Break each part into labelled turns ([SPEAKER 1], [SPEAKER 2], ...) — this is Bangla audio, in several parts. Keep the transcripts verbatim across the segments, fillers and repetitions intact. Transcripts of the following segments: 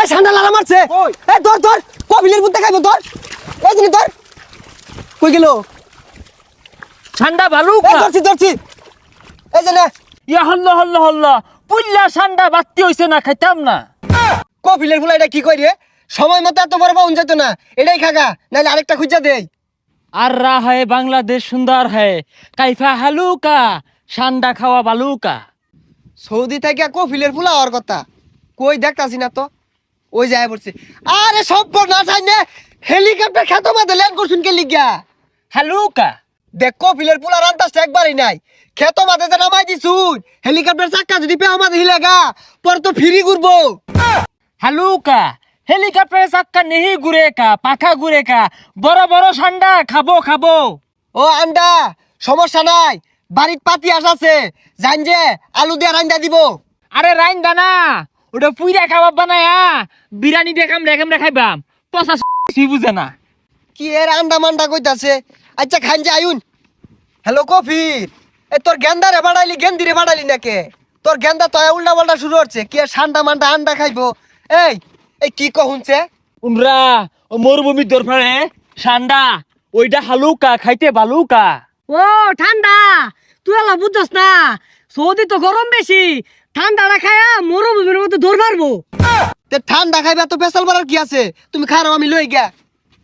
[SPEAKER 1] এই ঠান্ডা লালা মারছে এই ধর ধর কপিলের বুদ্ধে খাইবো ধর এই জিনিস ধর কই গেল
[SPEAKER 2] ঠান্ডা ভালো
[SPEAKER 1] এই ধরছি ধরছি এই যে না
[SPEAKER 2] ইয়া হল্লা হল্লা হল্লা পুল্লা ঠান্ডা বাত্তি হইছে না খাইতাম না
[SPEAKER 1] কপিলের ফুলা এটা কি কই রে সময় মতো এত বড় পাউন যেত না এটাই খাগা নাহলে আরেকটা খুঁজা দেই
[SPEAKER 2] আর রা হয় বাংলাদেশ সুন্দর হয় কাইফা হালুকা ঠান্ডা খাওয়া বালুকা
[SPEAKER 1] সৌদি থেকে কপিলের ফুলা হওয়ার কথা কই দেখতাছি না তো ওই যায় পড়ছে আরে সব না চাই না হেলিকপ্টার খেতো মাঝে ল্যান্ড করছুন কে লিগা
[SPEAKER 2] হালুকা
[SPEAKER 1] দেখ কপিলের ফুলা রান্তাসটা একবারই নাই খেতো মাঝে যে নামাই দিছুন হেলিকপ্টার চাক্কা যদি পেও মাঝে হিলেগা পর তো ফিরি ঘুরবো
[SPEAKER 2] হালুকা হেলিকপ্টারে চাক্কা নেহি ঘুরে কা পাখা ঘুরে কা বড় বড় ঠান্ডা খাবো খাবো
[SPEAKER 1] ও আন্ডা সমস্যা নাই বাড়ির পাতি আসাছে জান যে আলু দিয়ে রান্দা দিব
[SPEAKER 2] আরে রাইন দানা ওটা পুইরা খাবার বানায়া বিরিয়ানি দেখাম রেখাম রেখাইবাম পচা সি বুঝে না
[SPEAKER 1] কি এর আন্ডা মান্ডা কইতাছে আচ্ছা খান যে আয়ুন হ্যালো কফির এ তোর গেন্দারে বাড়াইলি গেন্দিরে বাড়াইলি নাকে তোর গেন্দা তো উল্টা পাল্টা শুরু হচ্ছে কি আর ঠান্ডা মান্ডা আন্ডা খাইবো এই এই কি কহুনছে
[SPEAKER 2] উমরা ও মরুভূমির দরফারে ঠান্ডা ওইটা হালুকা খাইতে বালুকা
[SPEAKER 3] ও ঠান্ডা তুই আলা বুঝছস না সৌদি তো গরম বেশি ঠান্ডাটা খায়া মরুভূমির মতো দৌড় মারবো
[SPEAKER 1] তে ঠান্ডা খাইবে তো পেশাল বাড়ার কি আছে তুমি খারাও আমি লই গিয়া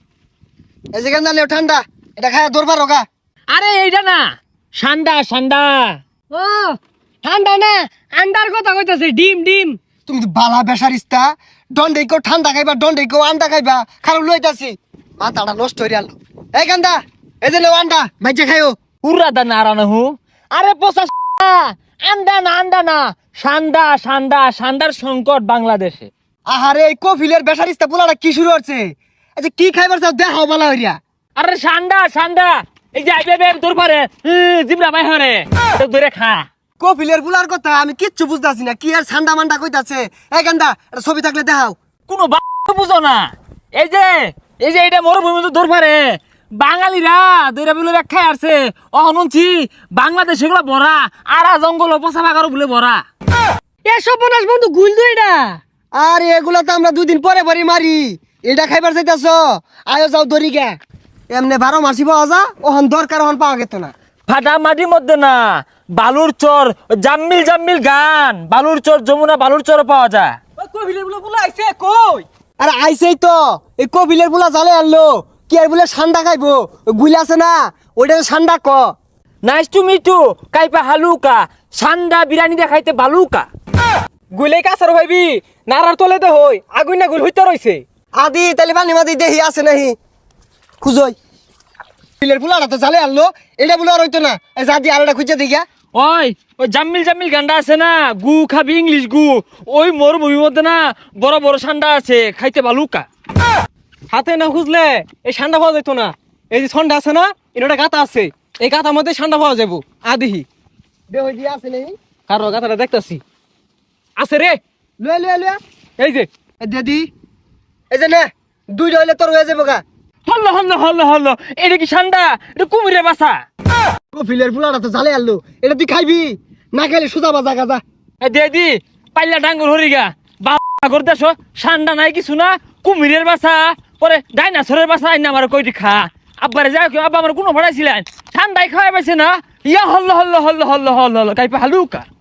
[SPEAKER 1] এই যে গেন্দা লেও ঠান্ডা এটা খায়া দরবার রোগা
[SPEAKER 2] আরে এইটা না ঠান্ডা ঠান্ডা
[SPEAKER 3] ও ঠান্ডা না আন্ডার কথা কইতাছে ডিম ডিম
[SPEAKER 1] তুমি তো বালা বেসারিস্তা দন্ডে কেউ ঠান্ডা খাইবা দন্ডে কেউ আন্ডা খাইবা খারাপ লইতাছি মাথাটা নষ্ট হয়ে গেল এই গান্দা এই যে লেও আন্ডা ভাইজা খাইও
[SPEAKER 2] উড়া দা নারানা হু আরে পচা আন্ডা না আন্ডা না ঠান্ডা ঠান্ডা ঠান্ডার সংকট বাংলাদেশে
[SPEAKER 1] আহারে এই কফিলের বেসারিস্তা পোলাটা কি শুরু হচ্ছে আচ্ছা কি খাইবার চাও দেখাও বালা হইয়া
[SPEAKER 2] আরে ঠান্ডা ঠান্ডা এই যে আইবে বের তোর পারে জিবরা ভাই হরে তো ধরে খা
[SPEAKER 1] কফিলের পোলার কথা আমি কিচ্ছু বুঝতাছি না কি আর ঠান্ডা মান্ডা কইতাছে এই গান্দা এটা ছবি থাকলে দেখাও
[SPEAKER 2] কোনো বুঝো না এই যে এই যে এটা মরুভূমি তো ধর পারে বাঙালিরা দইরা বলে ব্যাখ্যা আসছে অহনছি বাংলাদেশ এগুলো ভরা আরা জঙ্গল পচা বাগারও বলে ভরা
[SPEAKER 3] এসব বনাস বন্ধু গুল দুই না
[SPEAKER 1] আর এগুলা তো আমরা দুদিন পরে পরে মারি এটা খাইবার চাইতাছ আয়ো যাও দরি গে এমনি বারো মাসি পাওয়া যা ওহন দরকার ওহন পাওয়া গেত না
[SPEAKER 2] ফাটা মাটির মধ্যে না বালুর চর জাম্মিল জাম্মিল গান বালুর চর যমুনা বালুর চর পাওয়া যায়
[SPEAKER 3] কবিলে বলে বলে আইছে কই
[SPEAKER 1] আরে আইসেই তো এই কপিলের পোলা জালে আনলো কি আর বলে ঠান্ডা খাইবো গুলি আছে না ওইটা ঠান্ডা ক
[SPEAKER 2] নাইস টু মিট টু কাইপা হালুকা সান্ডা বিরিয়ানি দেখাইতে বালুকা
[SPEAKER 3] গুলে কাছার ভাইবি নারার তলে দে হই আগুন না গুল হইতে রইছে
[SPEAKER 1] আদি তাহলে পানি মাদি দেহি আছে নাহি খুঁজই কপিলের পোলাটা তো জালে আনলো এটা বলে আর হইতো না এই যা দি আর এটা খুঁজে দেখিয়া
[SPEAKER 2] ওই ওই জাম্মিল জাম্মিল গান্ডা আছে না গু খাবি ইংলিশ গু ওই মরুভূমির মধ্যে না বড় বড় সান্ডা আছে খাইতে বালুকা
[SPEAKER 3] হাতে না খুঁজলে এই ঠান্ডা পাওয়া যেত না এই যে ঠান্ডা আছে না এটা গাতা আছে এই গাতার মধ্যে ঠান্ডা পাওয়া যাবো আদিহি
[SPEAKER 1] দেহই দিয়া আছে নাহি
[SPEAKER 3] কারো গাতাটা দেখতাছি আছে রে
[SPEAKER 1] লয়ে লয়ে লয়ে
[SPEAKER 3] এই যে
[SPEAKER 1] এ দেদি এই যে নে দুইটা হইলে তোর হয়ে যাবো গা
[SPEAKER 2] হল্ল হল্ল হল্ল হল্ল এটা কি সান্ডা এটা কুমিরের বাসা
[SPEAKER 1] কপিলের পোলাটা তো জালে আনলো এটা তুই খাইবি না খাইলে সুজা বাজা গাজা
[SPEAKER 2] দে দি পাল্লা ডাঙ্গুর হরিগা বাগর দেশ সান্ডা নাই কিছু না কুমিরের বাসা পরে ডাইনাসরের বাসা আইনা আমার কইটি খা আব্বারে যাও কেউ আব্বা আমার কোনো ভাড়াইছিলেন ঠান্ডায় খাওয়াই পাইছে না ইয়া হল্ল হল্ল হল্ল হল্ল হল্ল হল্ল কাইপা হালুকা